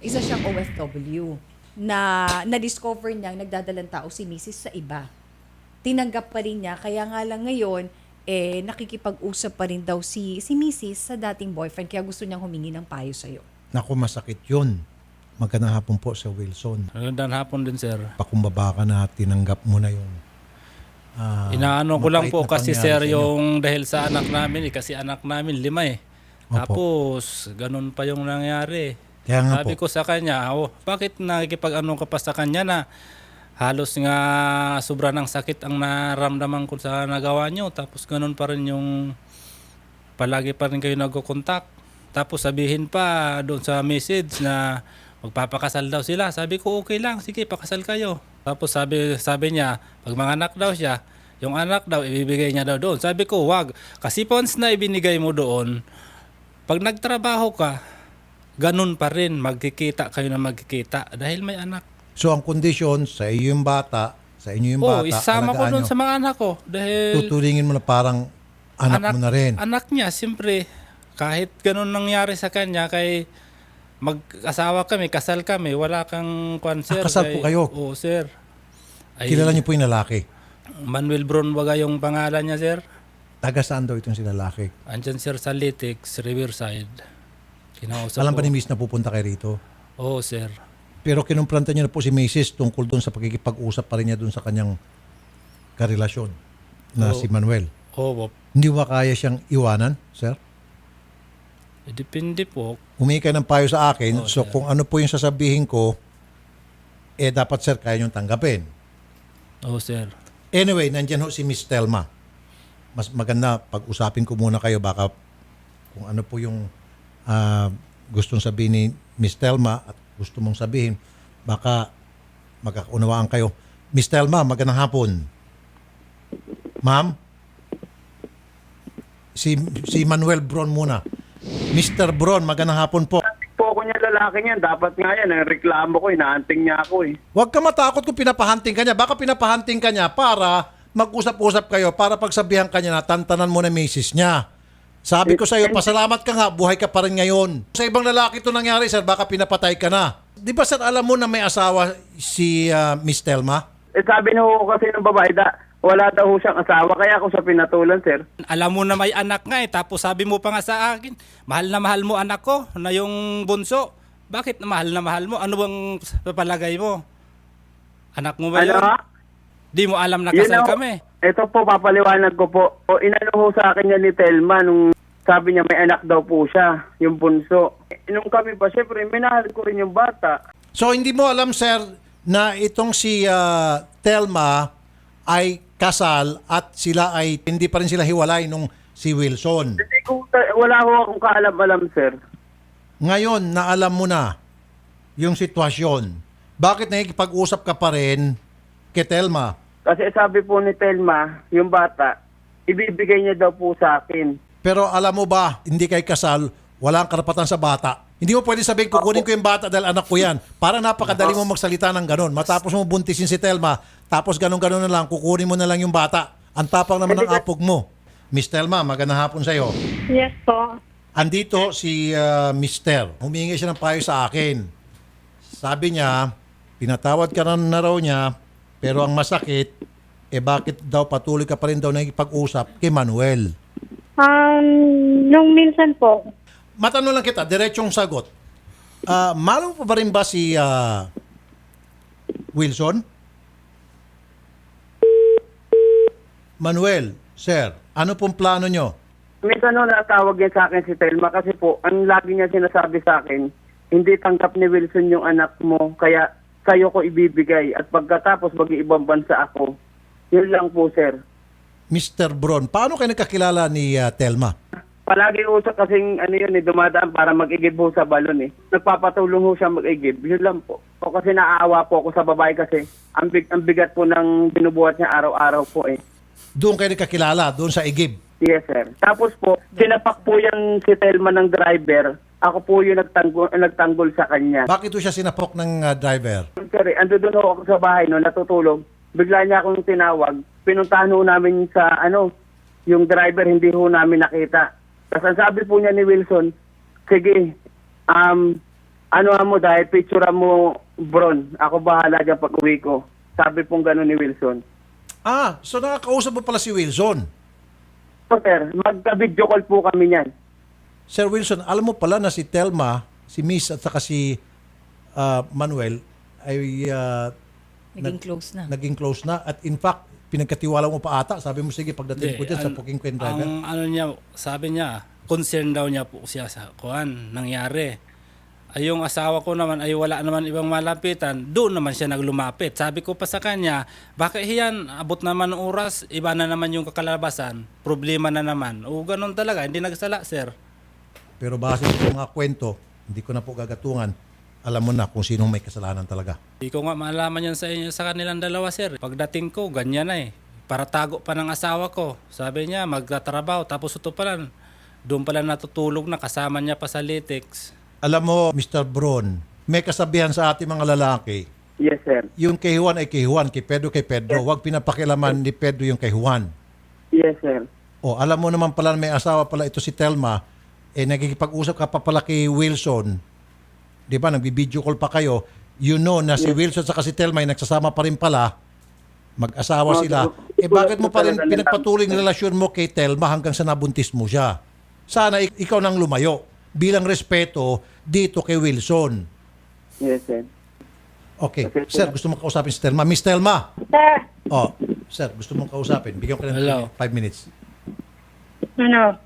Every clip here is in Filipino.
Isa siyang OFW na na-discover niyang nagdadalang tao si Mrs. sa iba. Tinanggap pa rin niya, kaya nga lang ngayon, nakikipag-usap pa rin daw si Mrs. sa dating boyfriend, kaya gusto niyang humingi ng payo sa'yo. Naku, masakit yun. Magandang hapon po Sir Wilson. Magandang hapon din, sir. Pakumbaba ka na, tinanggap mo na yung Inaano ko lang mapait po na kasi, pangyari sir, sa inyo. yung dahil sa anak namin, kasi anak namin 5 eh. Opo. Tapos, ganun pa yung nangyari. Kaya nga Sabi po, ko sa kanya, bakit nakikipag-ano ka pa sa kanya na halos nga sobra ng sakit ang naramdaman ko sa nagawa nyo. Tapos ganun pa rin yung palagi pa rin kayo nagko-contact. Tapos sabihin pa doon sa message na magpapakasal daw sila. Sabi ko okay lang, sige pakasal kayo. Tapos sabi niya, pag manganak daw siya, yung anak daw ibibigay niya daw doon. Sabi ko wag, kasi once na ibinigay mo doon, pag nagtrabaho ka, ganun pa rin, magkikita kayo na magkikita dahil may anak. so ang kondisyon sa iyo yung bata, sa inyo yung bata, Isama ko alagaan doon nyo. sa mga anak ko dahil Tutulingin mo na parang anak mo na rin. Anak niya, siyempre, kahit ganun nangyari sa kanya, kay mag-asawa kami, kasal kami, wala kang sir. Kasal po kayo? Oo, sir. Kilala niyo po yung lalaki. Manuel Bronwaga yung pangalan niya, sir. Taga saan daw itong si lalaki? Andyan, sir, sa Litix, Riverside. Kinausap Alam ko. ba ni Miss na pupunta kayo rito? Oo, sir. Pero kinumpranta niyo na po si Mrs. tungkol doon sa pagkikipag-usap pa rin niya doon sa kanyang karelasyon na Oo. si Manuel. Oo, Hindi ba kaya siyang iwanan, sir? depende po. Humingi kayo ng payo sa akin. Oo, So sir. kung ano po yung sasabihin ko, dapat sir kaya niyong tanggapin. Oo, sir. Anyway, nandyan ho si Miss Telma. Mas maganda pag-usapin ko muna kayo baka kung ano po yung gustong sabihin ni Miss Telma at gusto mong sabihin, baka magkakaunawaan kayo. Miss Telma, magandang hapon. Ma'am? Si Manuel Bron muna. Mr. Bron, magandang hapon po. Po ako niya lalaki niyan. Dapat nga yan. Ang reklamo ko, inaanting niya ako eh. Huwag ka matakot kung pinapahanting ka niya. Baka pinapahanting ka niya para mag-usap-usap kayo, para pagsabihan ka niya na tantanan mo na misis niya. Sabi ko sa iyo, pasalamat ka nga, buhay ka pa rin ngayon. Sa ibang lalaki ito nangyari, sir, baka pinapatay ka na. Di ba, sir, alam mo na may asawa si Miss Telma? Sabi na ho kasi ng babae, wala daw ho siyang asawa. Kaya ako siya pinatulan, sir. Alam mo na may anak nga tapos sabi mo pa nga sa akin, mahal na mahal mo anak ko na yung bunso. Bakit na mahal mo? Ano bang papalagay mo? Anak mo ba Ano yun? ha? Di mo alam na Yun kasal na ho. kami. Ito po, papaliwanag ko po. O, inano ho sa akin yan ni Telma nung sabi niya may anak daw po siya, yung bunso. Nung kami pa, syempre, minahal ko rin yung bata. So, hindi mo alam, sir, na itong si Telma ay kasal at sila ay hindi pa rin sila hiwalay nung si Wilson. Hindi ko, wala ho akong kaalam-alam, sir. Ngayon, na alam mo na yung sitwasyon. Bakit nakikipag-usap ka pa rin kay Telma? Kasi sabi po ni Telma, yung bata, ibibigay niya daw po sa akin. Pero alam mo ba, hindi kay kasal, wala kang karapatan sa bata. Hindi mo pwede sabihin, kukunin ko yung bata dahil anak ko yan. Para napakadali mo magsalita ng ganon. Matapos mo buntisin si Telma, tapos ganon-ganon na lang, kukunin mo na lang yung bata. Ang tapang naman ng apog mo. Miss Telma, magandang hapon sa'yo. Yes po. Andito si Mister. Humingi siya ng payo sa akin. Sabi niya, pinatawad ka na raw niya, pero ang masakit, bakit daw patuloy ka pa rin daw nakikipag-usap kay Manuel? Nung minsan po, Matanong lang kita, diretsong sagot. Malo pa ba rin ba si Wilson? Manuel, sir, ano pong plano nyo? Minsan no, natawag niya sa akin si Telma kasi po, ang lagi niya sinasabi sa akin, hindi tanggap ni Wilson yung anak mo, kaya sa'yo ko ibibigay. At pagkatapos mag-iibang bansa ako. Yun lang po, sir. Mr. Bron, paano kayo nakakilala ni Telma? Palagi usap kasing dumadaan para mag-igib ho sa balon eh. Nagpapatulong ho siya mag-igib. Yun lang po. O kasi naaawa po ako sa babae kasi ang bigat po ng binubuhat niya araw-araw po eh. Doon kayo nakakilala, doon sa Igib. Yes, sir. Tapos po, sinapak po yung si Telma ng driver. Ako po yung nagtanggol sa kanya. Bakit doon siya sinapok ng driver? Sir, ando doon ho ako sa bahay no, natutulog. Bigla niya akong tinawag. Pinuntahan ho namin sa yung driver hindi ho namin nakita. Tapos ang sabi po niya ni Wilson, sige, ano mo dahil picture mo, Bron, ako bahala dyan pag uwi ko. Sabi pong gano'n ni Wilson. Ah, so nakakausap mo pala si Wilson. So, sir, magka-video call po kami niyan. Sir Wilson, alam mo pala na si Telma, si Miss at saka si Manuel ay Naging close na. naging close na. At in fact, pinagkatiwala mo pa ata. Sabi mo, sige, pagdating ko dyan sa Puking Queen Driver. Ang ano niya, sabi niya, concern daw niya po siya sa kuan nangyari. Ay yung asawa ko naman ay wala naman ibang malapitan, doon naman siya naglumapit. Sabi ko pa sa kanya, bakit yan, abot naman ng oras, iba na naman yung kakalabasan, problema na naman. O ganun talaga, hindi nagsala, sir. Pero base sa mga kwento, hindi ko na po gagatungan, alam mo na kung sinong may kasalanan talaga. Hindi ko nga malaman yan sa inyo sa kanilang dalawa, sir. Pagdating ko, ganyan na eh. Para tago pa ng asawa ko. Sabi niya, magtatrabaho. Tapos ito pala, doon pala natutulog na kasama niya pa sa latex. Alam mo, Mr. Bron, may kasabihan sa ating mga lalaki, Yes, sir. yung kay Juan ay kay Juan, kay Pedro kay Pedro. Huwag pinapakilaman ni Pedro yung kay Juan. Yes, sir. O, alam mo naman pala may asawa pala ito si Telma, nagkikipag-usap ka pa pala kay Wilson. Di ba, nagbi-video call pa kayo. You know na si Wilson sa si Telma ay nagsasama pa rin pala. Mag-asawa sila. Bakit mo pa rin pinagpatuloy ng relasyon mo kay Telma hanggang sa nabuntis mo siya? Sana ikaw nang lumayo bilang respeto dito kay Wilson. Yes, sir. Okay. Sir, gusto mo kausapin si Telma? Miss Telma. Sir, Oh, sir, gusto mong kausapin. Bigyan ko Hello. ng 5 minutes. ano?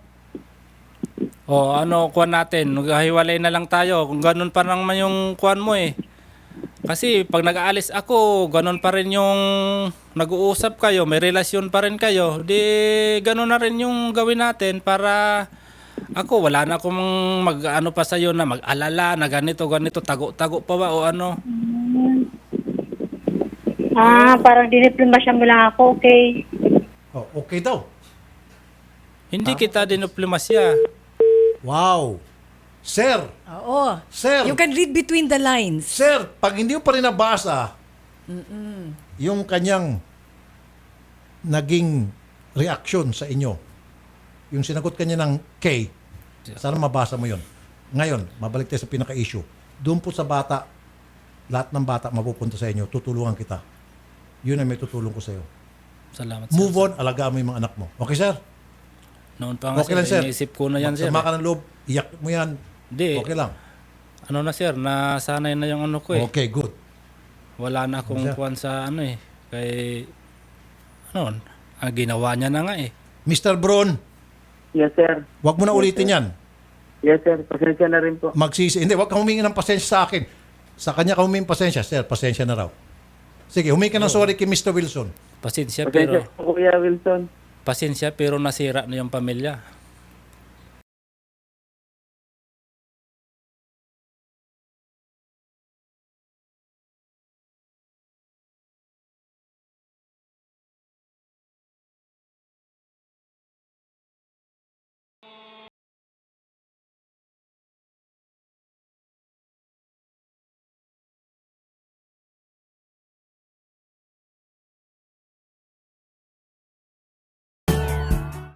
O ano, kuan natin, maghiwalay na lang tayo. Kung ganun pa naman yung kuan mo eh. Kasi pag nag-aalis ako, ganun pa rin yung nag-uusap kayo, may relasyon pa rin kayo. Di ganun na rin yung gawin natin para ako, wala na akong mag-ano pa sa'yo na mag-alala na ganito, tago-tago pa ba o ano. Parang diniplomasya mo lang ako, okay? Oh, okay daw. Hindi kita diniplomasya. Wow. Sir, Oo. Sir. You can read between the lines. sir, pag hindi mo pa rin nabasa yung kanyang naging reaction sa inyo, yung sinagot kanya ng K, sana mabasa mo yun. Ngayon, mabalik tayo sa pinaka-issue. Doon po sa bata, lahat ng bata mapupunta sa inyo, tutulungan kita. Yun ang may tutulong ko sa iyo. Salamat, sir. Move on, alagaan mo yung mga anak mo. Okay, sir? Noon pa nga, Okay lang, sir. iniisip ko na yan, sir. Magsama ka ng loob, iyak mo yan. Hindi. Okay lang. Ano na, sir, nasanay na yung ano ko eh. Okay, good. Wala na akong Sir. kuwan sa ano eh. Kay, ano, ginawa niya na nga eh. Mr. Bron, Yes, sir. wag mo na ulitin yan. Yes, sir. Pasensya na rin po. Magsisi. Hindi, wag kang humingi ng pasensya sa akin. Sa kanya ka humingi ng pasensya. Sir, pasensya na raw. Sige, humingi ka ng sorry kay Mr. Wilson. Pasensya Pasensya pero, po, Kuya Wilson. pasensya pero nasira na yung pamilya.